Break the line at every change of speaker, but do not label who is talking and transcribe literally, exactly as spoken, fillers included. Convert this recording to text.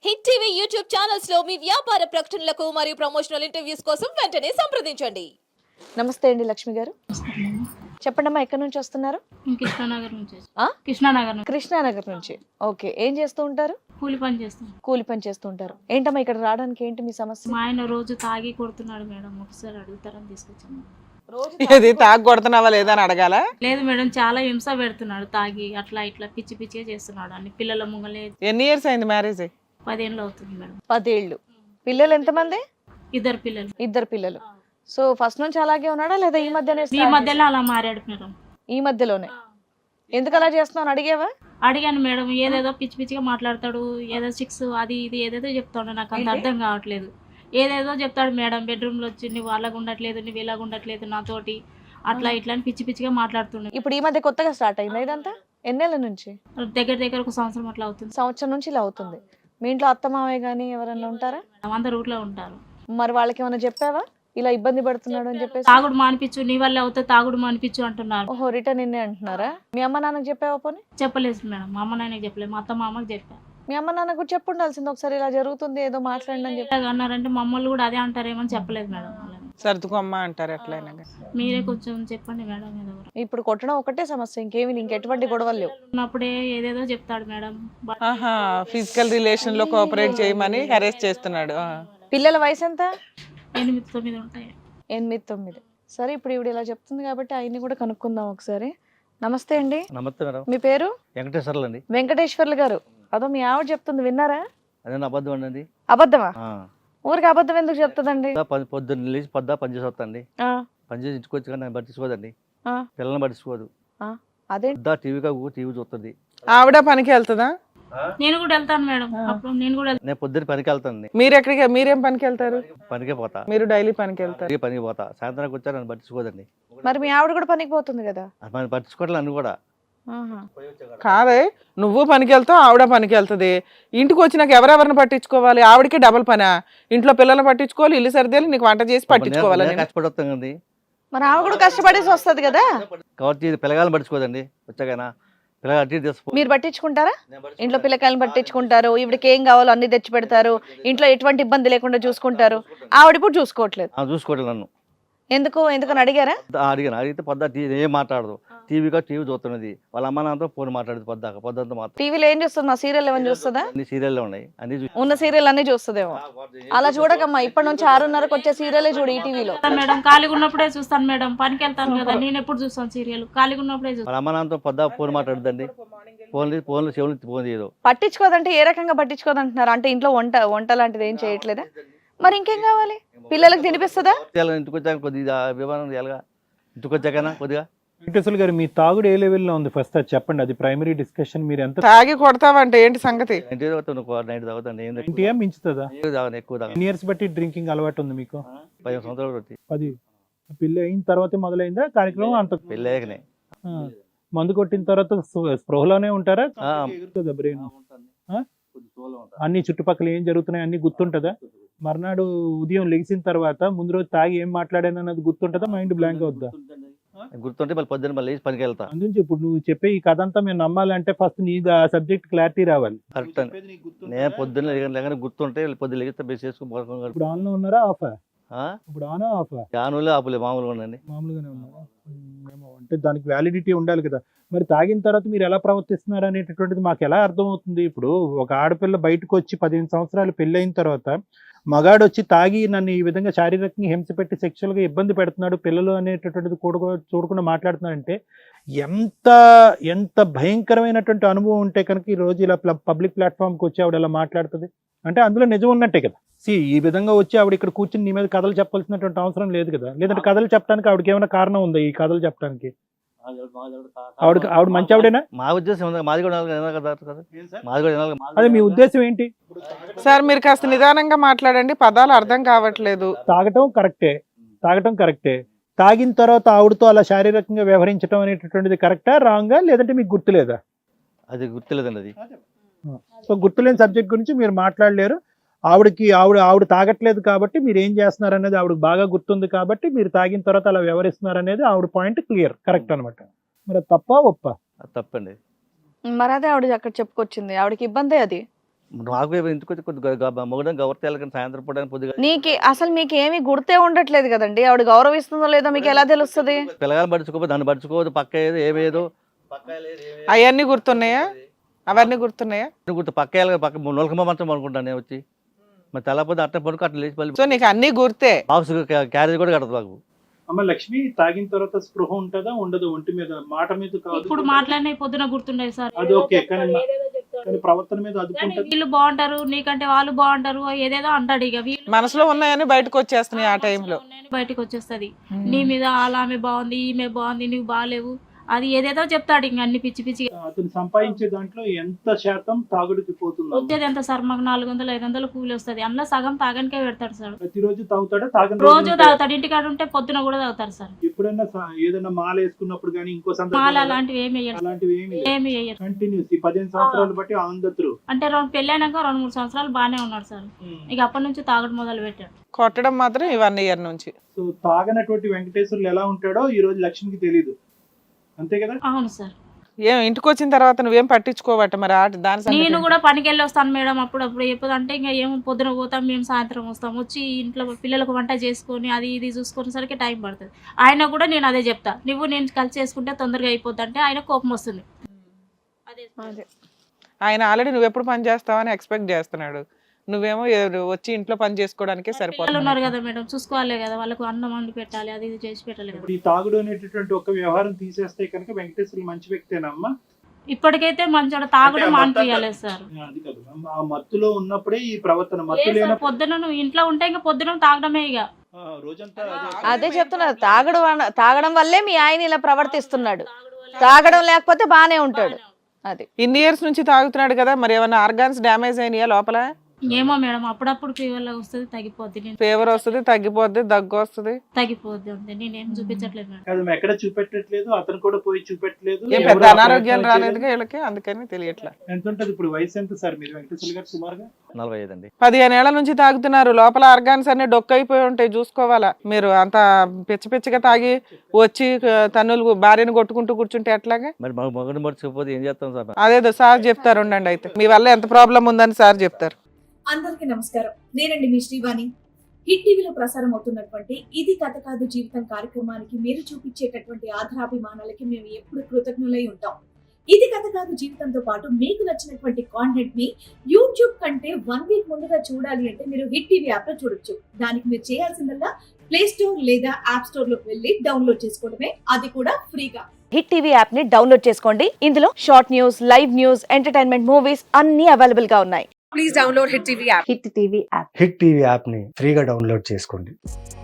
Hit TV YouTube channels లో మీ వ్యాపార ప్రకటనలకు మరియు ప్రమోషనల్ ఇంటర్వ్యూస్ కోసం వెంటనే సంప్రదించండి.
నమస్తే అండి లక్ష్మి గారు. చెప్పండమ్మా, ఎక్కడి నుంచి వస్తున్నారు?
కృష్ణానగర్ నుంచి
ఆ?
కృష్ణానగర్ నుంచి
కృష్ణానగర్ నుంచి. ఓకే, ఏం చేస్తూ ఉంటారు?
కూలి పని చేస్తాం.
కూలి పని చేస్తూ ఉంటారు. ఏంటమ్మా ఇక్కడ రావడానికి ఏంటి మీ సమస్య?
మా ఆయన రోజు తాగి కొడుతున్నాడు మేడం, ఒకసారి అడుగుతారని తీసుకొచ్చాము.
ఇది తాగు కొడుతున్నావా లేదా అని అడగాల?
లేదు మేడం, చాలా హింస పెడుతున్నాడు తాగి, అట్లా ఇట్లా పిచ్చి పిచ్చిగా చేస్తున్నాడు అన్ని. పిల్లల ముంగలే
ఎన్ని ఇయర్స్ అయింది మ్యారేజ్?
పదేళ్ళు అవుతుంది మేడం.
పదేళ్ళు. పిల్లలు ఎంతమంది?
ఇద్దరు పిల్లలు.
ఇద్దరు పిల్లలు. సో ఫస్ట్ నుంచి అలాగే ఉన్నాడా లేదా ఈ మధ్యనే?
ఈ మధ్యలో అలా మారాడు మేడం.
ఈ మధ్యలోనే. ఎందుకు అలా చేస్తున్నావు అడిగావా?
అడిగాను మేడం, ఏదేదో పిచ్చి పిచ్చిగా మాట్లాడతాడు, ఏదో సిక్స్ అది ఇది ఏదేదో చెప్తాడు, నాకు అంత అర్థం కావట్లేదు. ఏదేదో చెప్తాడు మేడం, బెడ్రూమ్ లో వచ్చి నువ్వు అలాగ ఉండట్లేదు, నువ్వు ఇలాగ ఉండట్లేదు నాతోటి, అట్లా ఇట్లా అని పిచ్చి పిచ్చిగా మాట్లాడుతున్నాడు.
ఇప్పుడు ఈ మధ్య కొత్తగా స్టార్ట్ అయిందా ఇదంతా? ఎన్నేళ్ళ నుంచి?
దగ్గర దగ్గర ఒక సంవత్సరం అట్లా అవుతుంది.
సంవత్సరం నుంచి ఇలా అవుతుంది. మీ ఇంట్లో అత్త మావయ్య కానీ ఎవరన్నా ఉంటారా?
అందరు ఊర్లో ఉంటారు.
మరి వాళ్ళకి ఏమైనా చెప్పావా ఇలా ఇబ్బంది పడుతున్నాడు అని చెప్పేసి?
తాగుడు మానిపించు, నీ వల్ల అవుతా తాగుడు మానిపించు అంటున్నారు.
ఓహో, రిటర్న్ నిన్నే అంటున్నారా? మీ అమ్మ నాన్నకు చెప్పావా పోనీ?
చెప్పలేదు మేడం, మా అమ్మ నాన్నకి చెప్పలేదు, మా అత్త మా అమ్మకి చెప్పా.
మీ అమ్మ నాన్న కూడా చెప్పు ఉండాల్సింది, ఒకసారి ఇలా జరుగుతుంది ఏదో మాట్లాడండి అని చెప్పి.
ఇలాగ అన్నారంటే మమ్మల్ని కూడా అదే అంటారేమో చెప్పలేదు మేడం.
సర్దుకోమ్మ అంటారు ఎట్లయినా.
మీరే కొంచెం చెప్పండి మేడం. ఏదో ఒకటి.
ఇప్పుడు కొట్టడం ఒకటే సమస్య, ఇంకేమి ఇంకెటువంటి గొడవలు లేవు.
ఉన్నప్పుడే ఏదేదో చెప్తాడు మేడం.
ఆహా, ఫిజికల్ రిలేషన్ లో కోఆపరేట్ చేయమని హెరేస్ చేస్తున్నాడు. ఆ.
పిల్లల వయసు ఎంత?
ఎనిమిది తొమ్మిది ఉంటాయి.
ఎనిమిది తొమ్మిది. సరే, ఇప్పుడు ఇవిడ ఇలా చెప్తుంది కాబట్టి ఆయన్ని కూడా కనుక్కుందాం ఒకసారి. నమస్తే అండి.
నమస్తే మేడం.
మీ పేరు?
వెంకటేశ్వర్లు అండి.
వెంకటేశ్వర్లు గారు. అదో మీ ఆవిడ చెప్తుంది, విన్నారా?
అదే అబద్ధం అండి.
అబద్ధమా? ఊరికి అబద్ధం ఎందుకు చెప్తుందండి?
పొద్దున్న లేచి పొద్దా పని చేసి వస్తాండి.
ఆ,
పని చేసి ఇంటికి వచ్చి కానీ పట్టించుకోదండి.
ఆ,
పిల్లల్ని పట్టించుకోదు.
ఆ, అదే
పొద్దా టీవీ కాకు టీవీ చూస్తుంది.
ఆవిడ పనికి వెళ్తుందా?
నేను కూడా వెళ్తాను మేడం, అప్పుడు నేను కూడా
నేను పొద్దున్న పనికి వెళ్తానండి.
మీరు ఎక్కడికి, మీరేం పనికి వెళ్తారు?
పనికే పోతా.
మీరు డైలీ పనికి వెళ్తారు?
పనికి పనికి పోతా. సాయంత్రానికి వచ్చా నన్ను పట్టించుకోదండి.
మరి మీ ఆవిడ కూడా పనికి పోతుంది కదా?
మనం పట్టించుకోవట్లేదు నన్ను కూడా.
ఆహా.
కాదే, నువ్వు పనికి వెళ్తావు, ఆవిడ పనికి వెళ్తుంది. ఇంటికి వచ్చినాక ఎవరెవరిని పట్టించుకోవాలి? ఆవిడకి డబల్ పనా? ఇంట్లో పిల్లల్ని పట్టించుకోవాలి, ఇల్లు సర్దేలు, నీకు వంట చేసి పట్టించుకోవాలి.
నేను కష్టపడి వస్తాం కదండి.
మరి ఆవిడ కూడా కష్టపడేసి వస్తుంది కదా?
కాబట్టి పిల్లగాలను పట్టించుకోదండి. వచ్చాకైనా పిల్లగా అటు ఇటు తీసుకో.
మీరు పట్టించుకుంటారా? ఇంట్లో పిల్లకాయలను పట్టించుకుంటారు, ఇవిడికి ఏం కావాలో అన్ని తెచ్చి పెడతారు, ఇంట్లో ఎటువంటి ఇబ్బంది లేకుండా చూసుకుంటారు. ఆవిడ ఇప్పుడు చూసుకోవట్లేదు.
చూసుకోవట్లేదు నన్ను.
ఎందుకు ఎందుకని అడిగారా?
అడిగాను. అడిగితే పొద్దా టీవీ ఏం మాట్లాడదు. టీవీగా టీవీ చూస్తున్నది. వాళ్ళ అమ్మ నాన్నతో ఫోన్ మాట్లాడదు పొద్దాక. పొద్దంతా మాత్రం
టీవీలో ఏం చూస్తుంది? మా సీరియల్ ఏమైనా చూస్తుందా?
అన్ని సీరియల్లో ఉన్నాయి. అన్ని చూ-
ఉన్న సీరియల్ అన్ని చూస్తుందేమో. అలా చూడకమ్మా, ఇప్పటి నుంచి ఆరున్నరకు వచ్చే సీరియలే చూడు ఈ టీవీలో.
మేడం ఖాళీగా ఉన్నప్పుడే చూస్తాను మేడం, పనికి వెళ్తాను కదా, నేను ఎప్పుడు చూస్తాను సీరియల్, ఖాళీగా ఉన్నప్పుడే చూస్తాను.
వాళ్ళ అమ్మ నాన్నతో పొద్దా ఫోన్ మాట్లాడదండి. ఫోన్ ఫోన్లో చెవులు ఫోన్ చేయదు.
పట్టించుకోదంటే ఏ రకంగా పట్టించుకోదంటున్నారు? అంటే ఇంట్లో వంట వంట లాంటిది ఏం చేయట్లేదా? మరి ఇంకేం కావాలి? పిల్లలకు తినిపిస్తుందా?
ఇంటికి వచ్చాక కొద్దిగా విమానం ఎలాగా ఇంటికి వచ్చాకనా కొద్దిగా.
వెంకటేశ్వర గారు, మీ తాగుడు ఏ లెవెల్లో ఉంది ఫస్ట్ అది చెప్పండి. అది ప్రైమరీ డిస్కషన్. మీరు ఎంత
తాగి కొడతావంటే ఏంటి సంగతి?
ఇంటి తాగుతాను, నైట్ తాగుతాను. ఏం
ఇంటియా మించుతుందా?
తాగను, ఎక్కువ తాగను.
ఎన్ని ఇయర్స్ బట్టి డ్రింకింగ్ అలవాటు ఉంది మీకు?
పది సంవత్సరాలు పెట్టి
పది. పెళ్ళి అయిన తర్వాతే మొదలైందా కార్యక్రమం? అంత
పెళ్ళాకనే.
ఆ. మందు కొట్టిన తర్వాత స్పృ- స్పృహలోనే ఉంటారా?
ఆ.
ఎగురుతుందా బ్రెయిన్? ఆ? అన్ని చుట్టుపక్కల ఏం జరుగుతున్నాయి అన్ని గుర్తుంటదా? మర్నాడు ఉదయం లెగిసిన తర్వాత ముందు రోజు తాగి ఏం మాట్లాడాను అన్నది గుర్తుంటదా? మైండ్ బ్లాంక్ అవుద్దా?
గుర్తుంటే మళ్ళీ పొద్దున్న మళ్ళీ లేచి పనికి వెళ్తా.
అందునుంచి ఇప్పుడు నువ్వు చెప్పే ఈ కథ అంతా మేము నమ్మాలంటే ఫస్ట్ నీ ఆ సబ్జెక్ట్ క్లారిటీ రావాలి.
కరెక్ట్ అండి. నేను పొద్దున్న లేక గుర్తుంటే గుర్తుంటే లెగిస్తే బెస్ చేసుకుని
ఇప్పుడు ఆన్ లో ఉన్నారా ఆఫా? ఇప్పుడు ఆన్ ఆఫా?
యానులే ఆపులే మామూలుగా ఉండండి.
మామూలుగానే ఉన్నారా? ఉమ్, ఏమో అంటే దానికి వ్యాలిడిటీ ఉండాలి కదా. మరి తాగిన తర్వాత మీరు ఎలా ప్రవర్తిస్తున్నారు అనేటటువంటిది మాకు ఎలా అర్థమవుతుంది? ఇప్పుడు ఒక ఆడపిల్ల బయటకు వచ్చి పదిహేను సంవత్సరాలు పెళ్ళి అయిన తర్వాత మగాడు వచ్చి తాగి నన్ను ఈ విధంగా శారీరకంగా హింస పెట్టి సెక్షువల్గా ఇబ్బంది పెడుతున్నాడు, పిల్లలు అనేటటువంటిది కూడా చూడకుండా మాట్లాడుతున్నాడంటే ఎంత ఎంత భయంకరమైనటువంటి అనుభవం ఉంటే కనుక ఈ రోజు ఇలా పబ్లిక్ ప్లాట్ఫామ్కి వచ్చి ఆవిడ ఎలా మాట్లాడుతుంది అంటే అందులో నిజం ఉన్నట్టే కదా. సి ఈ విధంగా వచ్చి ఆవిడ ఇక్కడ కూర్చుని నీ మీద కథలు చెప్పాల్సినటువంటి అవసరం లేదు కదా. లేదంటే కథలు చెప్పడానికి ఆవిడకి ఏమైనా కారణం ఉందా ఈ కథలు చెప్పడానికి? ఆవిడ ఆవిడ మంచి ఆవిడేనా?
మా ఉద్దేశం ఉంది, మాది కూడా వినాలి కదా కదా. మాది కూడా వినాలి.
అదే మీ ఉద్దేశం ఏంటి?
సార్ మీరు కాస్త నిదానంగా మాట్లాడండి, పదాలు అర్థం కావట్లేదు.
తాగటం కరెక్టే, తాగటం కరెక్టే. తాగిన తర్వాత ఆవిడతో అలా శారీరకంగా వ్యవహరించడం అనేటటువంటిది కరెక్టా రాంగా, లేదంటే మీకు గుర్తులేదా?
అది గుర్తులేదండి. అది
సో గుర్తులేని సబ్జెక్ట్ గురించి మీరు మాట్లాడలేరు. ఆవిడకి ఆవిడ ఆవిడ తాగట్లేదు కాబట్టి మీరు ఏం చేస్తున్నారు అనేది ఆవిడకి బాగా గుర్తుంది కాబట్టి మీరు తాగిన తర్వాత అలా వ్యవహరిస్తున్నారు అనేది ఆవిడ పాయింట్ క్లియర్, కరెక్ట్ అనమాట. మరి అది తప్పా ఒప్పా?
అది తప్పండి.
మరి అదే ఆవిడ అక్కడ చెప్పుకొచ్చింది, ఆవిడకి ఇబ్బందే అది.
నాకు ఎందుకు వచ్చి కొద్దిగా మొగడం గౌరవ కానీ సాయంత్రం పూట కొద్దిగా
నీకు అసలు మీకు ఏమీ గుర్తే ఉండట్లేదు కదండి, ఆవిడ గౌరవిస్తుందో లేదో మీకు ఎలా తెలుస్తుంది?
పిల్లగాని పడుచుకోదు, దాన్ని పడుచుకోదు, పక్క ఏదో ఏమేదో పక్క
అవన్నీ గుర్తున్నాయా? అవన్నీ గుర్తున్నాయా?
గుర్తు పక్క వెళ్ళగా పక్క నొలకమ్మ మంచం అనుకుంటాను నేను వచ్చి, మరి తెల్లపోతే అట్ట పడుకో అట్లా లేచి మళ్ళీ
సో నీకు అన్ని గుర్తే.
బాక్స్ క్యారేజ్ కూడా కడదు మాకు.
అమ్మ లక్ష్మి, తాగిన తర్వాత స్పృహ ఉంటుందా ఉండదు? ఒంటి మీద మాట మీద కాదు,
ఇప్పుడు మాట్లాడిన పొద్దున గుర్తుండేది సార్.
అది ఓకే, కానీ మా-
ఏదేదో చెప్తాడు.
కానీ ప్రవర్తన మీద
కానీ
అదుపుంటది.
వీళ్ళు బాగుంటారు, నీకంటే వాళ్ళు బాగుంటారు, ఏదేదో అంటాడు. ఇక వీళ్ళు
మనసులో ఉన్నాయని బయటకు వచ్చేస్తున్నాయి ఆ టైంలో.
బయటకు వచ్చేస్తది. నీ మీద అలా ఆమె బాగుంది, ఈమె బాగుంది, నువ్వు బాగాలేవు, అది ఏదేదో చెప్తాడు. ఇంక అన్ని పిచ్చి పిచ్చి.
అతను సంపాదించే దాంట్లో ఎంత శాతం తాగుడికి పోతుంది?
వచ్చేది ఎంత సార్? మాకు నాలుగు వందలు ఐదు వందలు కూలి వస్తుంది, అందులో సగం తాగనికే పెడతాడు సార్.
ప్రతిరోజు తాగుతాడా? తాగని
రోజు
రోజులు ఉంటాయా?
తాగుతాడు, ఇంటికాడ ఉంటే పొద్దున కూడా తాగుతారు సార్.
ఎప్పుడైనా స- ఏదైనా మాల వేసుకున్నప్పుడు కానీ ఇంకో
మాల
సందర్భం
అలాంటివి ఏమి వేయడు,
అలాంటివి ఏమి
ఏమి వేయరు.
కంటిన్యూస్ ఈ పదిహేను సంవత్సరాలు బట్టి ఆంధ్రు.
అంటే రెండు పెళ్ళైనాక రెండు మూడు సంవత్సరాలు బాగానే ఉన్నాడు సార్. ఇక అప్పటి నుంచి తాగడం మొదలు పెట్టాడు.
కొట్టడం మాత్రం ఈ వన్ ఇయర్ నుంచి.
సో తాగనటువంటి వెంకటేశ్వర్లు ఎలా ఉంటాడో ఈ రోజు లక్ష్మికి తెలియదు, అంతే కదా?
అవును సార్.
ఏం ఇంటికి వచ్చిన తర్వాత నువ్వేం పట్టించుకోవట మరి ఆ దాని సంగతి
నేను
ఏంటి?
కూడా పనికి వెళ్ళి వస్తాను మేడం అప్పుడప్పుడు. ఎప్పుడు అంటే ఇంకా ఏమో పొద్దున పోతాం, మేము సాయంత్రం వస్తాం. వచ్చి ఇంట్లో పిల్లలకు వంట చేసుకొని అది ఇది చూసుకునేసరికి టైం పడుతుంది. ఆయన కూడా నేను అదే చెప్తా, నువ్వు నేను కలిసి చేసుకుంటే తొందరగా అయిపోద్ది అంటే ఆయన కోపం వస్తుంది. అదే
అదే. ఆయన ఆల్రెడీ నువ్వు ఎప్పుడు పని చేస్తావని ఎక్స్పెక్ట్ చేస్తున్నాడు, నువ్వేమో ఏ- వచ్చి ఇంట్లో పని చేసుకోవడానికే
పిల్లలు
సరిపోతుంది.
ఉన్నారు కదా మేడం, చూసుకోవాలి కదా, వాళ్ళకు అన్నం వండి పెట్టాలి, అది ఇది చేసి పెట్టాలి కదా.
ఇప్పుడు ఈ తాగుడు అనేటటువంటి ఒక వ్యవహారం తీసేస్తే కనుక వెంకటేశ్వర్లు మంచి వ్యక్తేనమ్మా?
ఇప్పటికైతే మంచోడ తాగడం మానిపించాలి సార్.
అది కాదు, ఆ మత్తులో ఉన్నప్పుడే ఈ ప్రవర్తన, మత్తు
లేదు సార్,
లేన
పొద్దున నువ్వు ఇంట్లో ఉంటే ఇంకా పొద్దున తాగడమే ఇక.
ఆ, రోజంతా
అదే చెప్తున్నారు, తాగడం వల్ల- తాగడం వల్లే మీ ఆయన ఇలా ప్రవర్తిస్తున్నాడు. తాగడం లేకపోతే బానే ఉంటాడు. అది
ఇన్ని ఇయర్స్ నుంచి తాగుతున్నాడు కదా, మరి ఏమైనా ఆర్గాన్స్ డ్యామేజ్ అయినాయా లోపల?
ఏమో మేడం, అప్పుడప్పుడు ఫీవర్ లాగా వస్తుంది, తగ్గిపోద్ది. నేను
ఫీవర్ వస్తుంది, తగ్గిపోద్ది, దగ్గు వస్తుంది.
తగ్గిపోద్ది అంతే, నేనేం చూపించట్లేదు మేడం.
కాదు, ఎక్కడ చూపెట్టట్లేదు, అతను కూడా పోయి చూపెట్టలేదు.
ఏం
ఎవరు
పెద్ద
ఆ
అనారోగ్యాలు
ప్రయత్నాలు
రాలేదుగా వీళ్ళకి, అందుకని తెలియట్లా.
చేయలేదు. ఎంత ఉంటది ఇప్పుడు వయసు ఎంత సార్ మీరు వెంకటేశ్వర్లు గారు సుమారుగా?
నలభై ఐదు అండి.
పదిహేను ఏళ్ల నుంచి తాగుతున్నారు, లోపల ఆర్గాన్స్ అన్ని డొక్కైపోయి ఉంటాయి, చూసుకోవాలా. మీరు అంత పిచ్చి పిచ్చిగా తాగి వచ్చి ఆ, తన్నులు భార్యను కొట్టుకుంటూ కూర్చుంటే ఎట్లాగా?
మరి మాకు మొగడం పడుచుకోకపోతే ఏం చేస్తాం సార్?
అదేదో సార్ చెప్తారు ఉండండి, అయితే మీ వల్ల ఎంత ప్రాబ్లం ఉందని సార్ చెప్తారు.
అందరికీ నమస్కారం. నేనండి మీ శ్రీవాణి. హిట్ టీవీలో ప్రసారం అవుతున్నటువంటి ఇది కథ కాదు జీవితం కార్యక్రమానికి మీరు చూపించేటటువంటి ఆధారాభిమానాలకి మేము ఎప్పుడు కృతజ్ఞులై ఉంటాం. ఇది కథ కాదు జీవితంతో పాటు మీకు నచ్చినటువంటి కాంటెంట్ ని యూట్యూబ్ కంటే వన్ వీక్ ముందుగా చూడాలి అంటే మీరు హిట్ టీవీ యాప్ లో చూడొచ్చు. దానికి మీరు చేయాల్సిందల్లా ప్లే స్టోర్ లేదా యాప్ స్టోర్ లోకి వెళ్ళి డౌన్లోడ్ చేసుకోవడమే, అది కూడా ఫ్రీగా.
హిట్ టీవీ యాప్ ని డౌన్లోడ్ చేసుకోండి. ఇందులో short news, live news, entertainment movies అన్ని అవైలబుల్ గా ఉన్నాయి.
Hit TV app
hit TV యాప్ని ఫ్రీగా డౌన్లోడ్ చేసుకోండి.